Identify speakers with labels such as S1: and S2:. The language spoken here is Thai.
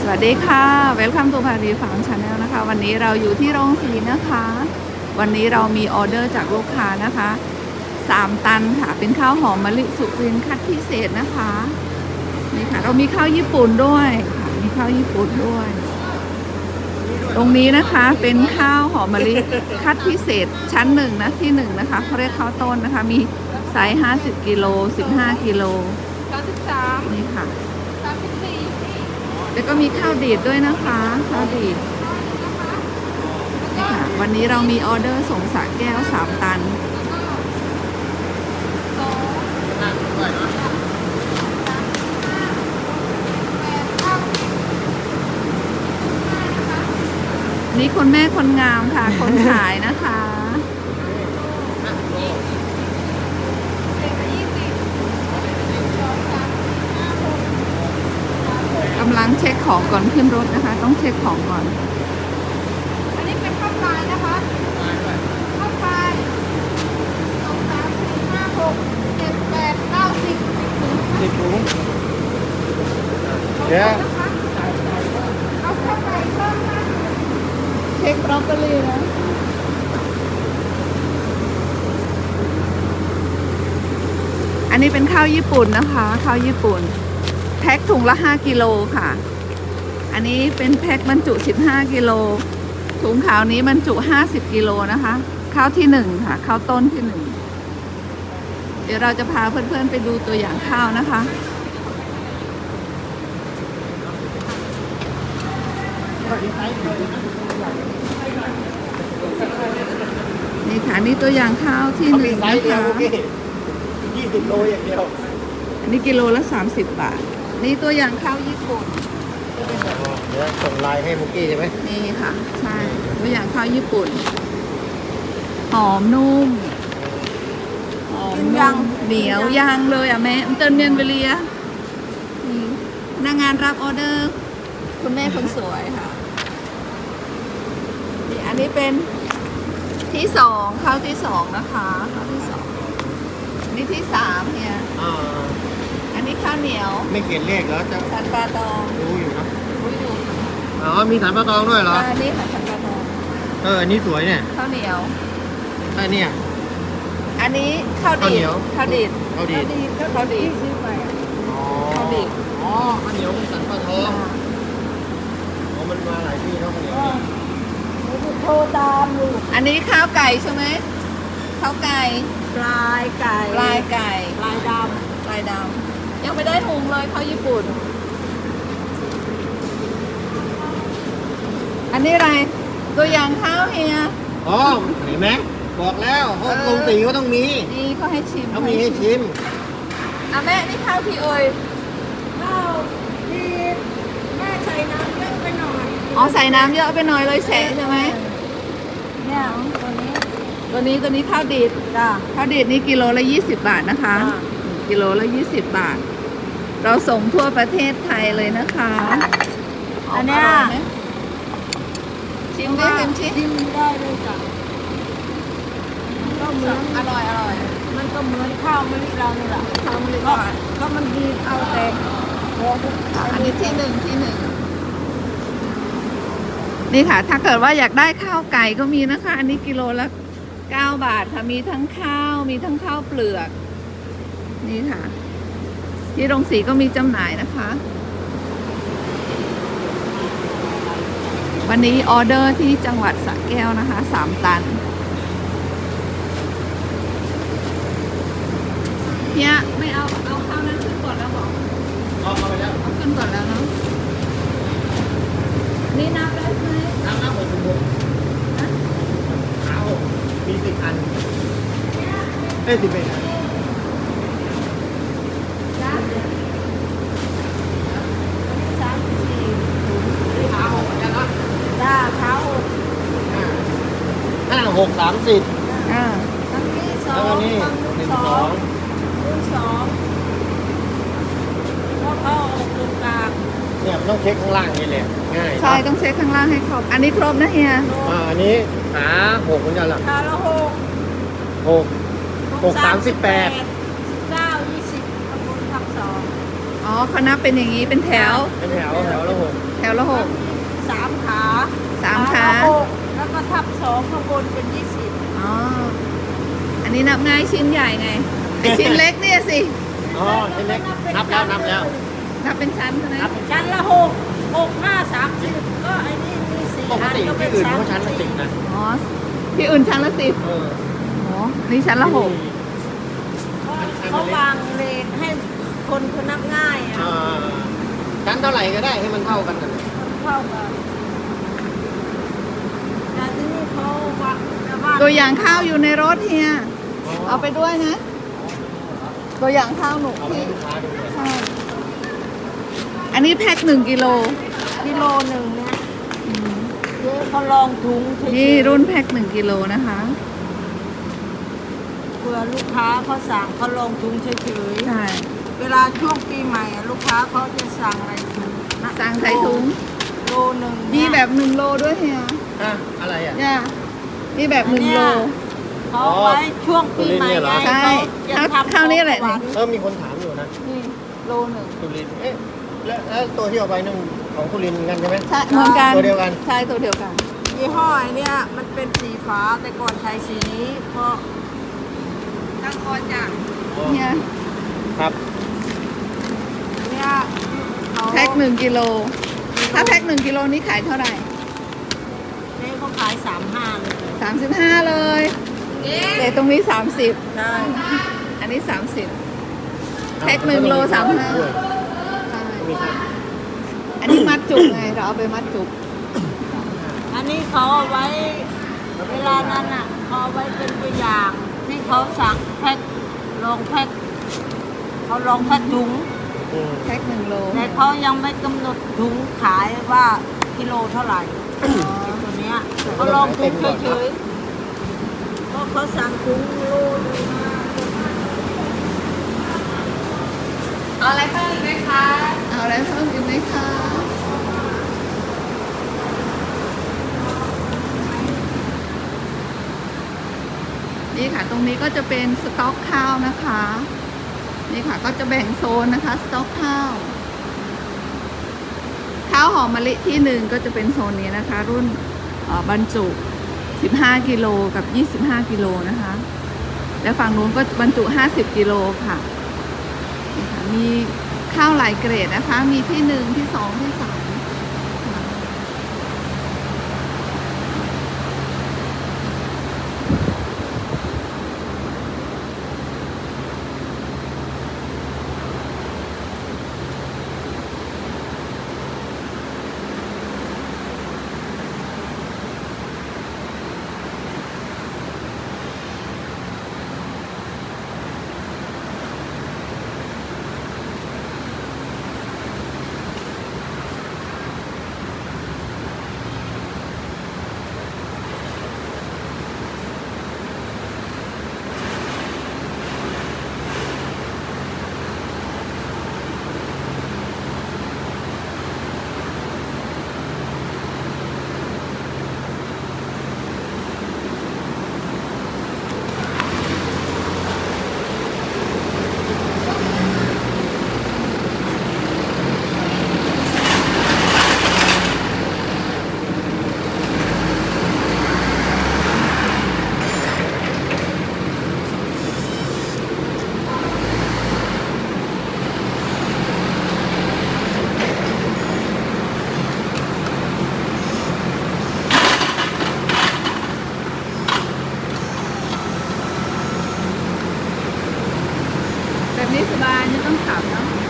S1: สวัสดีค่ะ Welcome to Paris Farm Channel นะคะ วันนี้เราอยู่ที่โรงสีนะคะ วันนี้เรามีออเดอร์จากลูกค้านะคะ3 ตันค่ะ เป็นข้าวหอมมะลิสุรินทร์คัดพิเศษนะคะ นี่ค่ะ เรามีข้าวญี่ปุ่นด้วยค่ะ มีข้าวญี่ปุ่นด้วย ตรงนี้นะคะเป็นข้าวหอมมะลิคัดพิเศษชั้น1นะที่1นะคะเขาเรียกข้าวต้นนะคะ มีไซส์50กิโล15กิโล
S2: 33
S1: นี่ค่ะ
S2: 34
S1: แล้วก็มีข้าวดีดด้วยนะคะข้าวดีดนี่ค่ะวันนี้เรามีออเดอร์ส่งสระแก้ว3 ตันนี่คนแม่คนงามค่ะ คนขายนะคะกำลังเช็คของก่อนขึ้นรถนะคะ ต้องเช็คของก่อน
S2: อันนี้เป็นข้าวปลายนะคะข้าวปลาย2 3 4 5 6 7 8 9 10
S3: 10 ถุงเดี๋ยว
S2: นะคะเอาข้าวปลายเพิ่มนะ
S1: เช็คบรอกโคลีนะอันนี้เป็นข้าวญี่ปุ่นนะคะข้าวญี่ปุ่นแพ็คถุงละ5กิโลค่ะอันนี้เป็นแพ็คบรรจุ15กิโลถุงขาวนี้บรรจุ50กิโลนะคะข้าวที่1ค่ะข้าวต้นที่1เดี๋ยวเราจะพาเพื่อนๆไปดูตัวอย่างข้าวนะคะนี่ค่ะนี่ตัวอย่างข้าวที่
S3: เขา
S1: ห
S3: มี
S1: นึ่ง
S3: ไซ
S1: นะ
S3: ส์เดียว
S1: คะ
S3: เมื่อกี้20 โลอย่างเดียว
S1: อันนี้กิโลละ30 บาทนี่ตัวอย่างข้าวญี่ปุ่น
S3: เดี๋ยวส่งไลน์ให้มุกกี้ใช่ไหม
S1: นี่ค่ะใช่ตัวอย่างข้าวญี่ปุ่นหอมนุ่มหอมนุ่มเหนียวย่างเลยอ่ะแม่มันเติมเนียนเวลียนี่พนักงานรับออเดอร์คุณแม่คนสวยค่ะนี่อันนี้เป็นที่2ข้าวที่2นะคะข้าวที่2นี่ที่3เนี่ย
S3: อ่า
S1: อันนี้ข้าวเหนียว
S3: ไม่เขียนเลขแล้วจะ
S1: สันปลาตอง
S3: รู้อยู่นะ
S1: รู้อยู่
S3: อ๋อมีฐานปลาตองด้วยเหรอ
S1: อันนี้ค่ะสันปลาตอง
S3: อันนี้สวยเนี่ย
S1: ข้าวเหนียว
S3: เนี่ย
S1: อันนี้ข้าว
S3: ข้าวเหนี
S1: ดีด
S3: ยว
S1: ข้าวดีด
S3: เอาดี
S1: ข้าวดีด
S3: อ๋อ
S1: ข้าวดีด
S3: อ๋อข้าวเหนียวเป็นสันปลาทองอ๋อมันมาหลายที่เนาะข้าวเหนียวนี่
S2: โทรตามอยู่
S1: อันนี้ข้าวไก่ใช่ไหมข้าวไก่
S2: ปลายไก่
S1: ลายไก่
S2: ปลายด
S1: ลายดำยังไม่ได้ถุงเลยข้าวญี่ปุ่น อันนี้อะไรตัวอย่างข้าวเฮีย
S3: อ๋อเห็นไหมบอกแล้วเพราะโรงสีก็ต้องมี
S1: นี่เขาให้ชิม
S3: เขามีให้ชิม
S1: อ่ะแม่นี่ข้าวพี่เอ่ย
S2: ำข้าวดีแม่ใส่น้ำเยอะไปหน่อย
S1: อ๋อใส่น้ำเยอะไปหน่อยเลยแฉะใช่ไหม
S2: เนี่ยตัวนี้
S1: ตัวนี้ข้าวดีด
S2: จ้า
S1: ข้าวดีดนี่กิโลละ20 บาทนะคะ
S2: อ่า
S1: กิโลละ20 บาท เราส่งทั่วประเทศไทยเลยนะคะ
S2: อันเนี้ย
S1: ร่ไหมชิมดิชิม
S2: ชิมได้เลยจ้ะก็เหมือน
S1: อร่อยอร่อย
S2: มันก็เหมือนข้าวมะลิเรานี่แหละ
S1: ข้าวมันเลย
S2: ก็
S1: ก่อน
S2: ก็มันดีเอาแต่หัว
S1: อันนี้ที่หนึ่งนี่ค่ะ ถ้าเกิดว่าอยากได้ข้าวไก่ก็มีนะคะ อันนี้กิโลละ9 บาทค่ะมีทั้งข้าวมีทั้งข้าวเปลือกนี่ค่ะ ที่โรงสีก็มีจำหน่ายนะคะ วันนี้ออเดอร์ที่จังหวัดสระแก้วนะคะ3 ตันเนี่ยไม่เอาข้าวนั้นขึ้นก่อนแล้วบอก
S3: เอาไปแล้ว
S1: เอาขึ้นก่อนแล้วเนาะนี่นับได้ไหม
S3: น้ำ6
S1: นะ
S3: เอามี10 อัน11 อัน
S1: จ้า
S3: เอาอย่างนั้น
S2: จ้าเท้า
S3: 5 6 30
S1: อ่า
S2: ทั้งที่สอ
S3: แล้ว
S2: ง
S3: ก็นี่
S2: ทั้ง
S3: 1
S2: สอง
S3: 2
S2: รุ่นสองแล้วก็ออกตรงกลาง
S3: เนี่ยมันต้องเช็คข้างล่างนี่แหละง่าย
S1: ใช่ต้องเช็คข้างล่างให้ครบอันนี้ครบนะเฮีย
S3: อันนี้ขา6เหมือนกันหรอ
S2: ตาละ
S3: 6
S2: 6
S3: 6 38
S2: 19 20ตำบลทับ2
S1: อ๋อเขานับเป็นอย่างนี้เป็นแถว
S3: เป็นแถวละ
S1: แถวละ
S2: 12ข้างบนเป็น20
S1: อ๋อ อันนี้นับง่ายชิ้นใหญ่ไงไอชิ้นเล็กเนี่ยสิ
S3: อ๋อชิ้นเล็กนับแล้วนับแล้ว
S1: นับเป็นชั้นใช่ไหม
S3: นับเป็น
S2: ชั้นละ6 6 5 30ก็ไอ้นี่มี4
S3: ปก
S2: อัน
S3: ติ
S2: ก็เป็
S3: ที่
S2: น
S3: อื่น
S2: ชั้น
S3: เขาชั้นละ10นะ
S1: อ๋อ ที่อื่นชั้นละ10
S3: เออ
S1: อ๋อ นี่ชั้นละ6
S2: เขาวางเลนให้คนเขานับง่ายอ่ะ
S3: อ่าชั้นเท่าไหร่ก็ได้ให้มันเท่ากันนั่นแหละ
S2: เข้ากันแต่ที่นี่เขาว่าแต่ว่า
S1: ตัวอย่างข้าวอยู่ในรถเฮีย เอาไปด้วยนะ ตัวอย่างข้าวหนู
S3: เอาไปให้ลูกค้าดูเลย
S1: ใช่ อันนี้แพ็ค1 กิโล
S2: กิโลหนึ่งเนี่ยเจ๊เขาลองถุงเฉยๆ
S1: นี่รุ่นแพ็ค1 กิโลนะคะ
S2: เผื่อลูกค้าเขาสั่งเขาลองถุงเฉย
S1: ใช่
S2: ๆเวลาช่วงปีใหม่อะลูกค้าเขาจะสั่งอะไรถุงนะ
S1: สั่งใส่ถุง
S2: โลหนึ่ง
S1: มี
S2: เนี่ย
S1: แบบ1 โลด้วยเฮีย
S3: อ่ะอะไรอ่ะ
S1: เนี่ยมีแบบ1 โล
S2: เขาเอาไว้ช่วงปีใหม่ไง
S1: ใช่
S2: เขาจะทำ
S1: ข้าวนี่แหละ
S2: ของหวาน
S3: มีคนถามอยู่นะ
S1: นี่โลหนึ่ง
S3: สุรินทร์เอ๊ะแล้วตัวที่เอาไปนั่นของสุรินทร์เหมือนกันใช่ไหม
S1: ใช่เหมือนกัน
S3: ตัวเดียวกัน
S1: ใช่ตัวเดียวกัน
S2: ยี่ห้อไอ้เนี่ยมันเป็นสีฟ้าแต่ก่อนใช้สีนี้เพราะตั้งออนจาก
S3: อ๋อ
S1: เนี่ย
S3: ครับ
S2: เนี่ยเขา
S1: แพ็ค1 กิโล ถ้าแพ็ค1 กิโลนี้ขายเท่าไหร่
S2: เนี่ยเขาขาย35เลย
S1: 35 เลย แต่ตรงนี้ 30
S2: ใช่
S1: อันนี้ 30 แพ็ค1 โล 35ใช่
S3: มีครับ
S1: อันนี้มัดจุกไง เราเอาไปมัดจุก
S2: อันนี้เขาเอาไว้เวลานั้นอ่ะเขาเอาไว้เป็นตัวอย่างที่เขาสั่งแพ็คลองแพ็คเขาลองแพ็คถุง
S3: อืม
S1: แพ็ค1 โล
S2: แต่เขายังไม่กำหนดถุงขายว่ากิโลเท่าไหร่ตัวเนี้ยเขาลองถุงเฉยๆเพราะเขาสั่งถุงโลนึงมา
S1: เอาอะไรเพิ่มอีกไหมคะ เอาอะไรเพิ่มอีกไหมคะ นี่ค่ะ ตรงนี้ก็จะเป็นสต็อกข้าวนะคะ นี่ค่ะ ก็จะแบ่งโซนนะคะ สต็อกข้าว ข้าวหอมมะลิที่1ก็จะเป็นโซนนี้นะคะ รุ่นบรรจุ 15 กิโลกับ 25 กิโลนะคะ และฝั่งนู้นก็บรรจุ 50 กิโลค่ะนี่ค่ะ มีข้าวหลายเกรดนะคะ มีที่1ที่2ที่3ค่ะ แบบนี้สบายไม่ต้องขับเนาะ